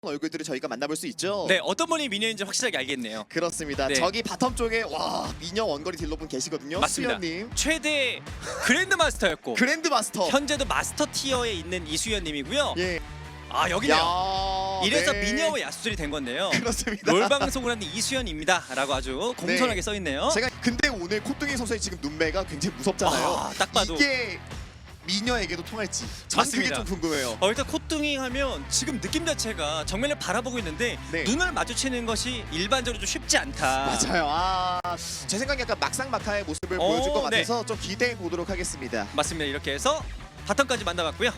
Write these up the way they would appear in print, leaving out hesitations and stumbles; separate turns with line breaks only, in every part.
얼굴들을 저희가 만나볼 수 있죠.
네, 어떤 분이 미녀인지 확실하게 알겠네요.
그렇습니다.
네.
저기 바텀 쪽에 와 미녀 원거리 딜러분 계시거든요.
맞습니다.
수연님
최대 그랜드 마스터였고
그랜드 마스터.
현재도 마스터 티어에 있는 이수연님이고요.
예.
아 여기네요.
야,
이래서
네.
미녀와 야수들이 된 건데요.
그렇습니다.
롤 방송을 하는 이수연입니다라고 아주 공손하게
네.
써 있네요.
제가 근데 오늘 콧등이 선수의 지금 눈매가 굉장히 무섭잖아요.
아, 딱 봐도.
이게 미녀에게도 통할지 전 그게
맞습니다.
좀 궁금해요.
일단 콧등이 하면 지금 느낌 자체가 정면을 바라보고 있는데
네.
눈을 마주치는 것이 일반적으로 좀 쉽지 않다.
맞아요. 제 생각에 약간 막상막하의 모습을 보여줄 것
네.
같아서 좀 기대해 보도록 하겠습니다.
맞습니다. 이렇게 해서 바텀까지 만나봤고요.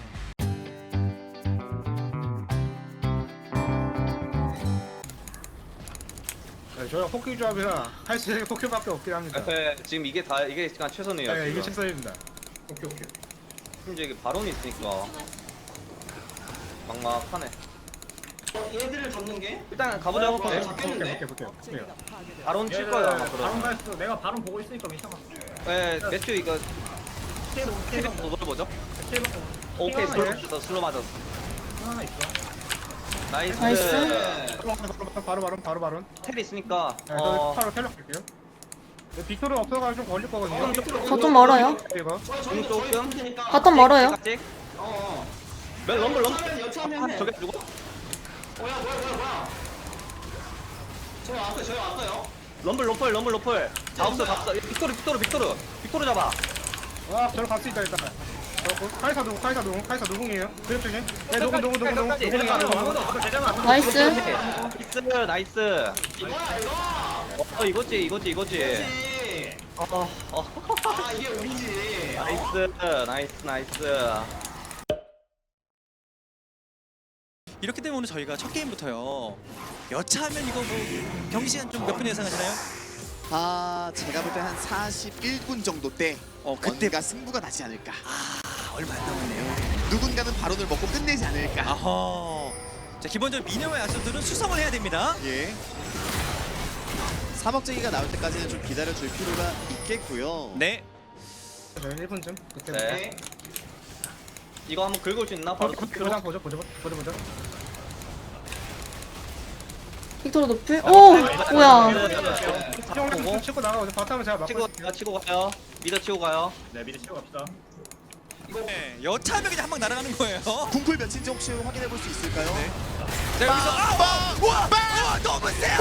네, 저희가 포켓 조합이라 할 수 있는 게 포켓밖에 없긴 합니다.
네, 지금 이게 그냥 최선이에요.
네, 이게
지금.
책선입니다. 오케이 오케이.
심지어 이게 바론이 있으니까 막막하네.
얘들을 잡는 게?
일단 가보자.
네.
볼게요.
바론 칠 거예요 아마
바론
그러면.
가있어. 내가 바론 보고 있으니까 괜찮아.
네, 매튜 이거 테이블 더 돌려보죠. 오케이 슬로 맞았어.
하나 있어.
나이스.
바로.
텔 있으니까
네, 바로 텔러 갈게요. 빅토르 없어가지고 좀 걸릴 거거든요.
저 좀 멀어요.
이거.
중 조금.
바텀 멀어요.
찍.
어.
몇 럼블
여차하면 해.
저게 누구?
뭐야. 저희 왔어요.
럼블. 다 없어. 빅토르 잡아.
와, 저로 갈 수 있다 일단. 카이사 누궁이에요? 그쪽 중에. 네, 누궁이야.
나이스.
나이스. 이거지.
그렇지. 아 이게 우리지.
나이스.
이렇게 되면 오늘 저희가 첫 게임부터요. 여차하면 이거 뭐 경기 시간 좀 몇 분 예상하시나요?
제가 볼 때 한 41분 정도 때
그때
뭔가 승부가 나지 않을까.
얼마 안 남았네요.
누군가는 바론을 먹고 끝내지 않을까.
아하. 자, 기본적으로 미녀와 야수들은 수성을 해야 됩니다.
예. 사먹쟁이가 나올 때까지는 좀 기다려줄 필요가 있겠고요.
네.
네, 1분쯤. 그때.
네. 이거 한번 긁을 수 있나? 바로
보자.
빅토르 노플. 오, 뭐야.
형 치고 나가고 바텀은 제가 막고 있을게요.
치고 가요. 미더 치고 가요.
네, 미리 치고 갑시다.
네. 여차하면 그냥 한 방 날아가는 거예요.
궁풀 몇인지 혹시 확인해 볼 수 있을까요?
자, 여기서
우와! 너무 세요!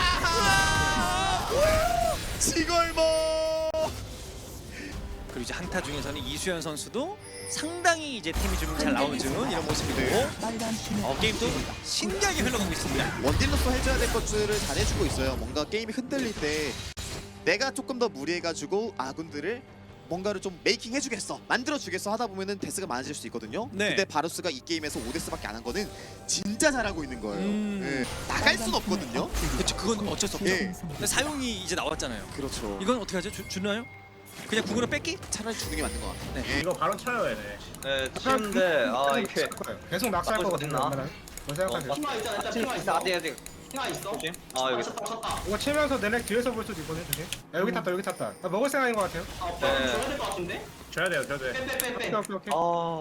지걸모!
그리고 이제 한타 중에서는 이수연 선수도 상당히 이제 템이 좀 잘 나오는 이런 모습이고 게임도 신기하게 흘러가고 있습니다.
원딜로서 해줘야 될 것들을 잘해주고 있어요. 뭔가 게임이 흔들릴 때 내가 조금 더 무리해가지고 아군들을 뭔가를 좀 메이킹 해주겠어, 만들어주겠어 하다 보면은 데스가 많아질 수 있거든요.
네.
근데 바루스가 이 게임에서 5데스밖에 안 한 거는 진짜 잘하고 있는 거예요.
예.
나갈 순 없거든요.
그렇죠. 그건 어쩔 수 없죠.
예.
근데 사용이 이제 나왔잖아요.
그렇죠.
이건 어떻게 하죠? 주나요? 그냥 궁으로 뺏기?
차라리 주는 게 맞는 것 같아요.
네.
예.
이거 바로 쳐요, 얘네.
네, 치는데 이렇게
계속 낙살
나쁠 것
거거든요.
같나?
웬만하면. 뭐 생각하세요?
핑화 있잖아. 일단 핑화 있어.
아직.
핑화 있어.
조심. 여기.
쳤다.
이거 치면서 내내 뒤에서 볼 수도 있거든, 조심. 야, 여기 탔다. 나 먹을 생각인 것 같아요.
줘야 될 것 같은데?
줘야 돼요.
빼.
오케이.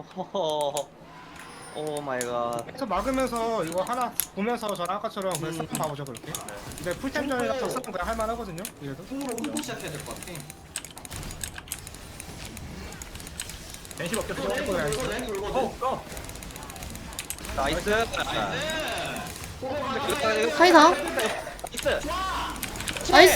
오 마이 갓.
계속 막으면서 이거 하나 보면서 저랑 아까처럼 그냥 싸움 봐보죠, 그렇게. 근데 풀템전이라서 싸움 그냥 할만하거든요, 이래도.
풍으로 훑고 시작해야 될 것 같아.
댄시 먹게
이거 랭 울고.
나이스.
카이사. 나이스.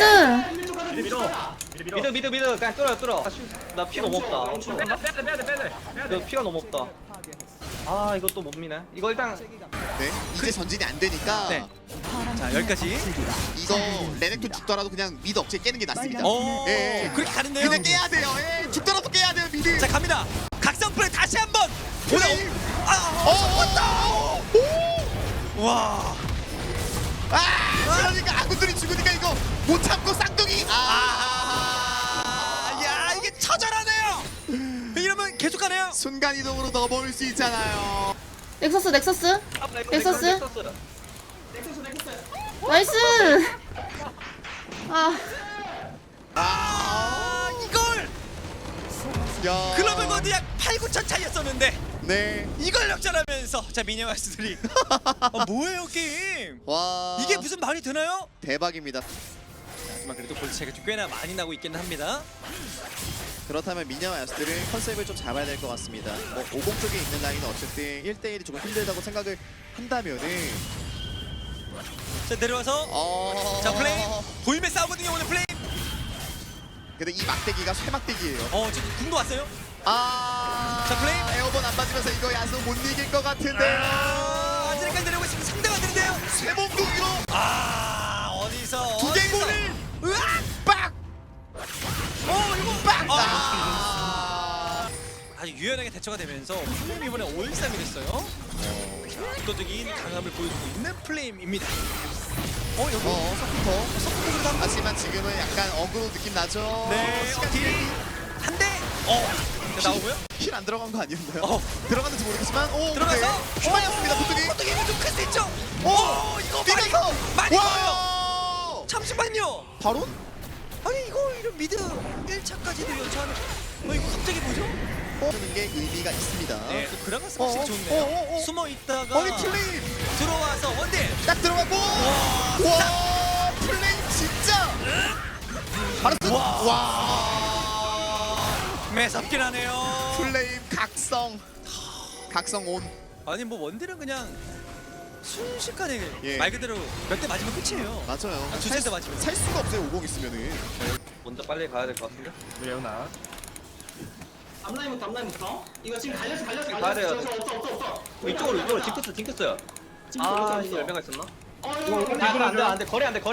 미드 그냥 뚫어. 나 피 너무 없다. 너 피가 너무 없다. 이거 또 못 미네. 이거 일단
네. 이제 전진이 안 되니까
네. 자, 여기까지.
이거 레넥톤 죽더라도 그냥 미드 억지에 깨는 게 낫습니다. 예.
그렇게 가는데요.
그냥 깨야 돼요. 예. 죽더라도 깨야 돼요, 미드.
자, 갑니다. 각성 플레이 다시 한번.
플레이. 왔다.
와.
그러니까 아군들이 죽으니까 이거 못 참고 쌍둥이.
야, 이게 처절하네요. 이러면 계속 가네요.
순간 이동으로 넘어올 수 있잖아요.
넥서스.
넥서스.
나이스.
이걸
야.
글로벌 거드 약 8, 9천 차이였었는데
네.
이걸 역전하면서 자 미니마스들이 뭐예요 게임?
와.
이게 무슨 말이 되나요?
대박입니다.
하지만 그래도 골 차이가 좀 꽤나 많이 나고 있기는 합니다.
그렇다면 미녀와 야수들은 컨셉을 좀 잡아야 될 것 같습니다. 뭐 50 쪽에 있는 라인은 어쨌든 1대1이 조금 힘들다고 생각을 한다면은
자 내려와서 자 플레임 보임의 싸우거든요 오늘 플레임.
근데 이 막대기가 쇠막대기예요.
지금 궁도 왔어요.
자
플레임.
에어본 안 맞으면서 이거 야수 못 이길 것 같은데요.
아직까지 내려오고 있으면 상대가 되는데요.
쇠몸동이로
어디서
두 개골을 으악 빡!
이거
빡!
아주 유연하게 대처가 되면서 플레임 이번에 5-1-3이 됐어요. 자, 압도적인 강함을 보여주고 있는 플레임입니다. 여기
서포터. 하지만 지금은 약간 어그로 느낌 나죠?
네,
시간
한 대. 자, 나오고요.
힐안 들어간 거 아니었나요? 들어갔는지 모르겠지만
들어가서
휴만이었습니다. 보통이.
보통이 좀 클 수 있죠. 이거
뛰면서
많이 커요.
와!
잠시만요.
바로?
아니 이거 이런 미드 1차까지도 연차하는. 이거 갑자기 뭐죠?
하는 게 의미가 있습니다.
네, 그 그라가스 확실히 좋네요. 숨어 있다가
아니 플레이
들어와서 원딜.
딱 들어가고 와 플레이 진짜 바로 와
매섭긴 하네요.
플레임 각성 온.
아니 뭐 원딜은 그냥 순식간에
예.
말 그대로 몇 대 맞으면 끝이에요.
맞아요.
두세 대 맞으면.
살 수가 없어요. 50 있으면은.
먼저 빨리 가야 될 것 같은데.
레오나.
앞라인부터 이거 지금 갈렸어
가야 돼요.
없어
이쪽으로 징크스. 이거 열매가 있었나?
이거
안돼 거리 안돼.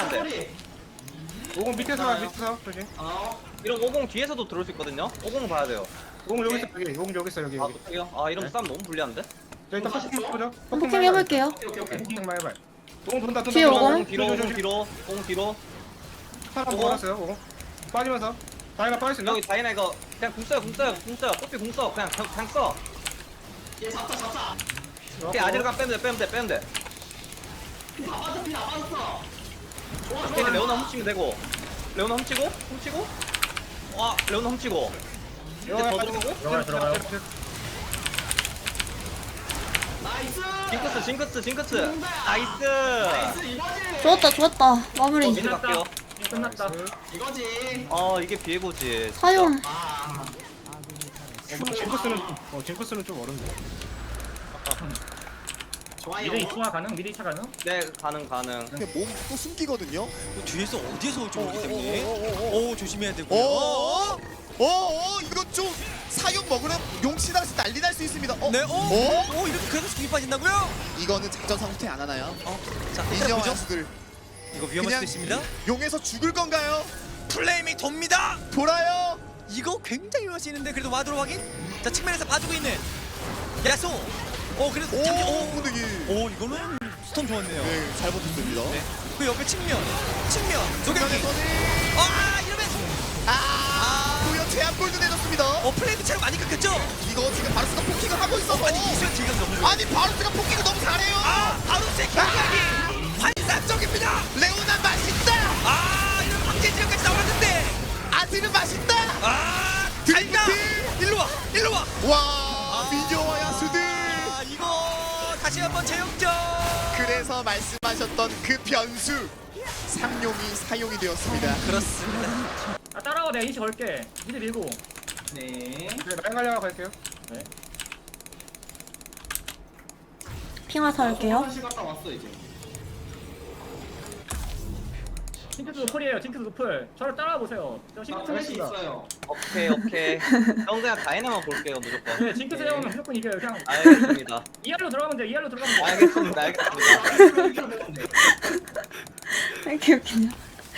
오공 밑에서 조심.
이런 50 뒤에서도 들어올 수 있거든요. 50 봐야 돼요.
오공 여기 있어 여기. 오공 여기 있어 여기.
아 이러면 싸움 너무 불리한데?
자 일단 포킹 해보죠.
포킹 해볼게요.
포킹만 해봐. 오공 돈다.
뒤에 오공.
50 뒤로.
사람 몰았어요. 오공. 빠지면서. 다이나 빠졌습니다.
여기 다이나 이거 그냥 궁 써요. 뽀삐 궁 써. 그냥 써.
얘 잡자
오케이 아지르간 빼면 돼.
피 다 빠졌어
오케이 레오나 훔치면 되고. 레오나 훔치고. 와 레오나 훔치고. 이제 더 들어오고.
들어가요.
나이스
징크스. 나이스.
이거지
좋았다. 마무리.
미드 갈게요.
끝났다.
이거지
이게 비에고지.
사용.
징크스는 좀 어렵네.
좋아요
미리 2차 가능?
네 가능.
이렇게 몸 또 숨기거든요.
뒤에서 어디에서 올지 모르기 때문에 조심해야 되고요.
이거 좀 사용 먹으면 용치당해서 난리 날 수 있습니다.
네, 이렇게 그래서 죽이 빠진다고요?
이거는 작전 상태 안 하나요?
자, 일단
미녀와
보죠.
야수들
이거 위험할
그냥
수도 있습니다.
용에서 죽을 건가요?
플레임이 돕니다.
돌아요.
이거 굉장히 위험할 수 있는데 그래도 와드로 확인. 자, 측면에서 봐주고 있는 야소. 그래도
분위기.
이거는 스톰 좋았네요.
네, 잘 버텼습니다.
네. 그 옆에 측면. 조경기.
측면에서는
이러면
고요 제압골도 내줬습니다.
플레이도 체력 많이 깎였죠?
이거 지금 바루스가 포킹을 하고 있어서
아니 이수현 딜감 너무 좋아.
아니 바루스가 포킹을 너무 잘해요.
바루스의 경각이 환상적입니다.
레오나 맛있다.
이런 황제 지역까지 나왔는데
아들은 맛있다.
달다. 일로 와.
와 미녀와 야수들.
이거 다시 한번 재역전.
그래서 말씀하셨던 그 변수 상용이 사용이 되었습니다.
그렇습니다.
따라와 내가 인치 걸게. 미리 밀고.
네
라인 가려고 갈게요.
핑화사 할게요.
화장실 갔다 왔어 이제
징크스 노플이에요. 징크스 노플. 저를 따라와 보세요. 저
나
징크스
플래시
했습니다.
있어요
오케이. 형 그냥 다이나만 볼게요 무조건.
네, 징크스 해오면 무조건 이겨요. 그냥
알겠습니다.
2할로 들어가면 돼. 2할로 들어가면 돼.
알겠습니다.
이렇게 웃기냐.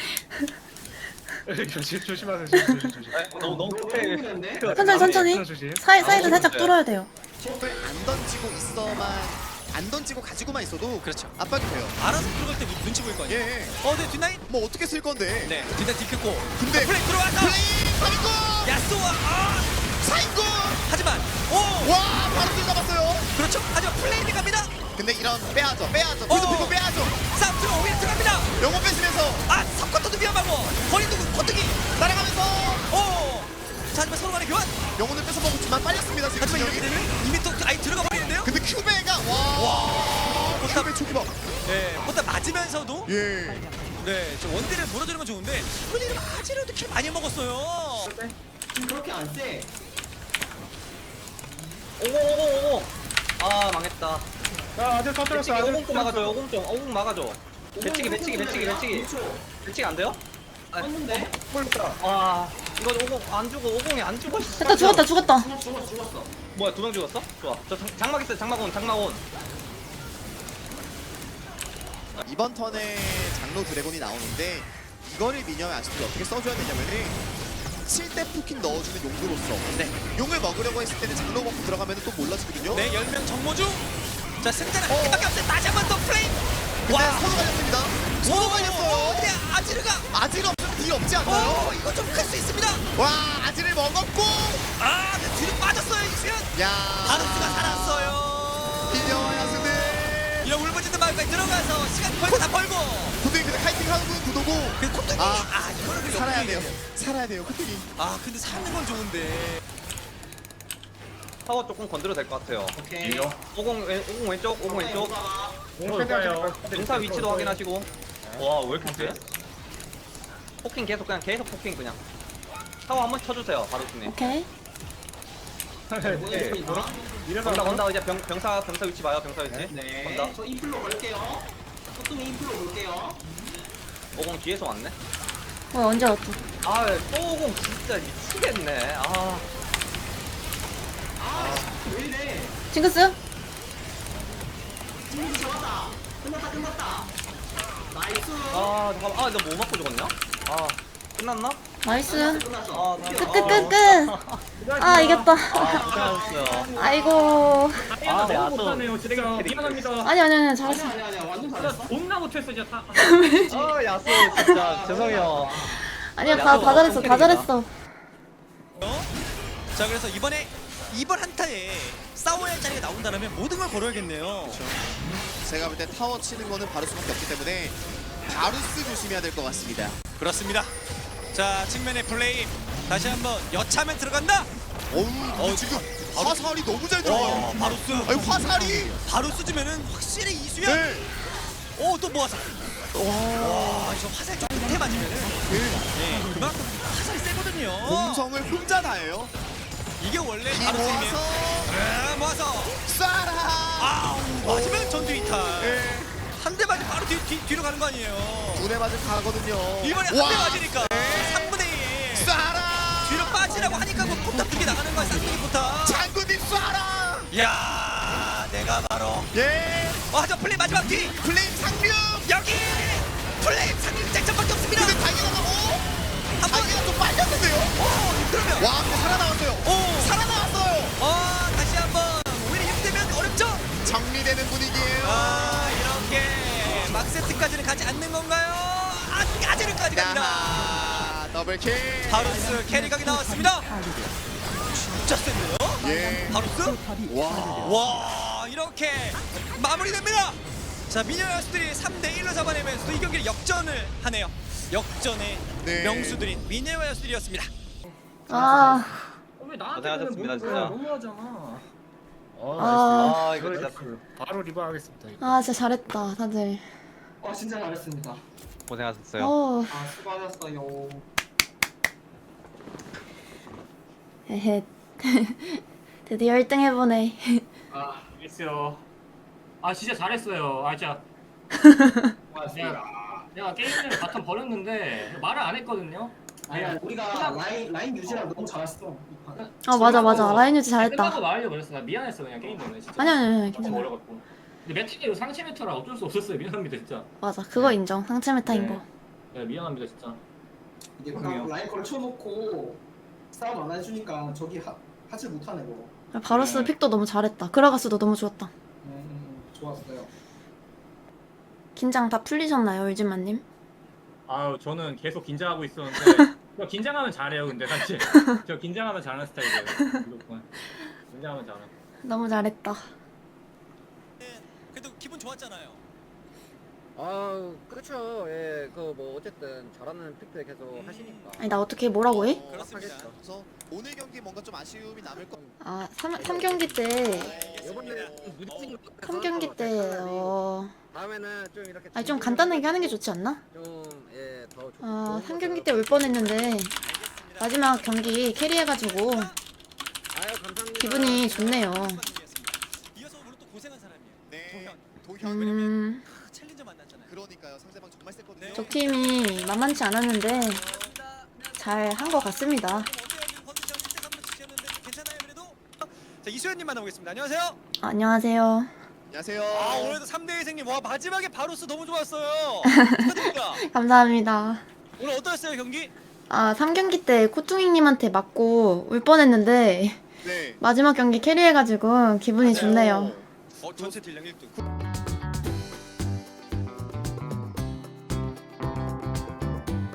조심하세요.
너무 급해.
천천히. 사이드 살짝 뚫어야 돼요.
을 안 던지고 안 던지고 가지고만 있어도
그렇죠.
압박이 돼요.
알아서 들어갈 때 눈치 보일 거 아니에요.
예.
네 뒷라인.
뭐 어떻게 쓸 건데?
네, 뒷라인 뒷켰고.
근데
플레이 들어와서
플레이 사인고
야쏘와
사인고
하지만
와 바로 잡았어요.
그렇죠. 하지만 플레이를 갑니다.
근데 이런 빼야죠. 피고 빼야죠.
싸움 들어 오히려 들어갑니다.
영혼 뺏으면서
석커터도 위험하고 거리도 거뜨기
날아가면서
자, 하지만 서로 간의 교환.
영혼을 뺏어 먹었지만 빨렸습니다 지금.
하지만 이렇게
진영이.
되면 이미 또 아예 들어가 버리는데요?
근데 큐베가 와
포탑
큐베 초기박
네, 포탑 맞으면서도
예
네, 저 원딜을 물어주는 건 좋은데 그래도 아지르도 킬 많이 먹었어요.
지금 그렇게 안 세.
오공. 아 망했다.
자 아들 터뜨렸어.
배치기
아들
오공 좀 막아줘. 오공 막아줘. 배치기. 배치기 안 돼요?
떴는데?
뚫렸다.
아 이거 오공 안 죽어. 오공이 안 죽어.
됐다 죽었다.
죽었어.
뭐야 2명 죽었어? 좋아. 저 장막 있어요. 장막 온.
이번 턴에 장로 드래곤이 나오는데 이거를 미녀의 아스트를 어떻게 써줘야 되냐면은 7대 푸킹 넣어주는 용도로서
네.
용을 먹으려고 했을 때는 장로 먹고 들어가면 또 몰라지거든요.
네, 10명 정모중. 자, 승자는 한 개밖에 없어요. 다시 한 번 더 플레임.
근데 서로 갈렸습니다. 서로
오,
갈렸어요.
근데 아지르가
아질 없으면 딜 없지 않나요?
이거 좀 클 수 있습니다.
와 아질을 먹었고
아, 근데 뒤로 빠졌어요, 이수연.
야
바루스가 살았어요.
미녀의 아스트
이런 울부짖는 마을까지 들어가서 시간 벌고 다 벌고.
도둑이 근데 카이팅 하는 분 구도고
그 콧등이
아,
이거는 그
살아야
역행이에요.
돼요. 살아야 돼요. 코팅이.
아, 근데 사는 건 좋은데.
타워 조금 건드려 될 것 같아요.
오케이.
오공 왼쪽. 오공 왼쪽.
오빠요.
용사 위치도 확인하시고. 와 왜 이렇게 세? 포킹 계속 포킹 그냥. 타워 한번 쳐주세요 바루스님.
오케이.
네.
건다 이제 병사 위치 봐요. 병사 위치.
네.
건다.
저 인플로 걸게요. 소tum이 인플로 볼게요.
오공 뒤에서 왔네.
언제 왔어?
아또 오공 진짜 미치겠네.
왜 이래?
징크스?
진짜 잡았다. 끝났다. 나이스.
잠깐만. 나 뭐 맞고 죽었냐? 끝났나?
나이스.
끝났어.
끝. 아 이겼다.
고생하셨어요.
아이고.
네,
너무 못하네요. 제가 미안합니다.
아니 잘했어.
아니야. 완전 잘했어.
존나 못했어 진짜 다.
야수 진짜 죄송해요.
아니야 다 잘했어.
자, 그래서 이번 한타에 싸워야 할 자리가 나온다면 모든 걸 걸어야겠네요.
제가 볼 때 타워 치는 거는 바루스밖에 없기 때문에 바루스 조심해야 될 것 같습니다.
그렇습니다. 자, 측면의 플레이 다시 한번 여차하면 들어간다.
어우 지금 화살이 너무 잘 들어가요.
바루스.
아니 화살이.
바루스 주면은 확실히 이수연.
네.
또 모아서. 와, 이거 화살 좀 밑에 맞으면은. 네, 그만큼 화살이 세거든요.
공성을 혼자 다 해요.
이게 원래
이
바루스이네요. 모아서.
쏴라.
맞으면 전투 이탈.
네.
한 대 맞으면 바로 뒤로 가는 거 아니에요.
두대 맞을 가거든요.
이번에 한 대 맞으니까 3분의 1.
쏴라.
뒤로 빠지라고 하니까 뭐 포탑 두개 나가는 거야. 쌍둥이 포탑.
장군님 쏴라.
야, 내가 바로.
예.
저 플레이 마지막 뒤.
플레임 상륙.
여기 플레이 상륙 쟁점밖에 없습니다.
근데 당연하다고.
한 번.
자기가 좀 빨렸는데요.
그러면
와 근데 살아나왔어요. 살아나왔어요.
다시 한번 오히려 6대면 어렵죠?
정리되는 분위기예요.
이렇게 막세트까지는 가지 않는 건가요? 아직까지는까지 갑니다.
야하, 더블킬.
바루스 캐리각이 나왔습니다. 진짜 센데요?
예.
바루스?
와.
와, 이렇게 마무리됩니다. 자, 미녀 야수들이 3대1로 잡아내면서 이 경기를 역전을 하네요. 역전의
네.
명수들인 미녀 야수들이었습니다.
아.
왜 나한테
고생하셨습니다,
그러는 거야?
진짜.
너무하잖아.
이거 진짜
바로 리버하겠습니다.
진짜 잘했다 다들.
진짜 잘했습니다.
고생하셨어요.
수고하셨어요.
헤헤. 드디어 1등 해보네.
알겠어요. 진짜 잘했어요. 진짜
고맙습니다.
내가 게임을 바텀 버렸는데 말을 안 했거든요.
아니야, 우리가 라인 유지랑 너무 잘했어. 이 판.
맞아 라인 유지
끝나고
잘했다.
말하려고 그랬어. 나 미안했어 그냥 게임 때문에 진짜.
아니
바텀
괜찮아.
어려갖고. 근데 메타기로 상체 메타라 어쩔 수 없었어요. 미안합니다 진짜.
맞아 그거 인정. 상체 메타인
네.
거.
네, 미안합니다 진짜.
이게 그냥 라인 걸쳐놓고 싸움 안 해주니까 저기 하질 못하네 뭐.
바루스 픽도 너무 잘했다. 그라가스도 너무 좋았다.
좋았어요.
긴장 다 풀리셨나요 울진마님?
저는 계속 긴장하고 있었는데 저 긴장하면 잘해요. 근데 사실 저 긴장하면 잘하는 스타일이에요. 무조건 긴장하면 잘해.
너무 잘했다.
그래도 기분 좋았잖아요.
그렇죠. 예, 그 뭐 어쨌든 잘하는 픽들 계속 하시니까.
아니 나 어떻게 뭐라고 해?
그렇습니다.
그래서 오늘 경기 뭔가 좀 아쉬움이 남을 것.
아 3경기 때
이번에 무리친
3경기 때
다음에는 좀 이렇게
아니 좀 간단하게 하는 게 좋지 않나?
좀예더 좋고.
아 3경기 때 올 뻔했는데 마지막 경기 캐리해가지고
아유 감사합니다.
기분이 좋네요.
이어서 오늘 또 고생한 사람이에요.
네.
도현.
도현.
챌린저 만났잖아요.
그러니까요. 상대방 정말 셌거든요.
적 팀이 만만치 않았는데 잘 한 것 같습니다.
자, 이수연님 만나보겠습니다. 안녕하세요.
안녕하세요.
안녕하세요.
아, 오늘도 3대 1승님. 와, 마지막에 바로스 너무 좋았어요. 축하드립니다.
감사합니다.
오늘 어떠셨어요, 경기?
아 3경기 때 코뚱이님한테 맞고 울 뻔했는데
네.
마지막 경기 캐리해가지고 기분이 좋네요.
전체 딜량 1등.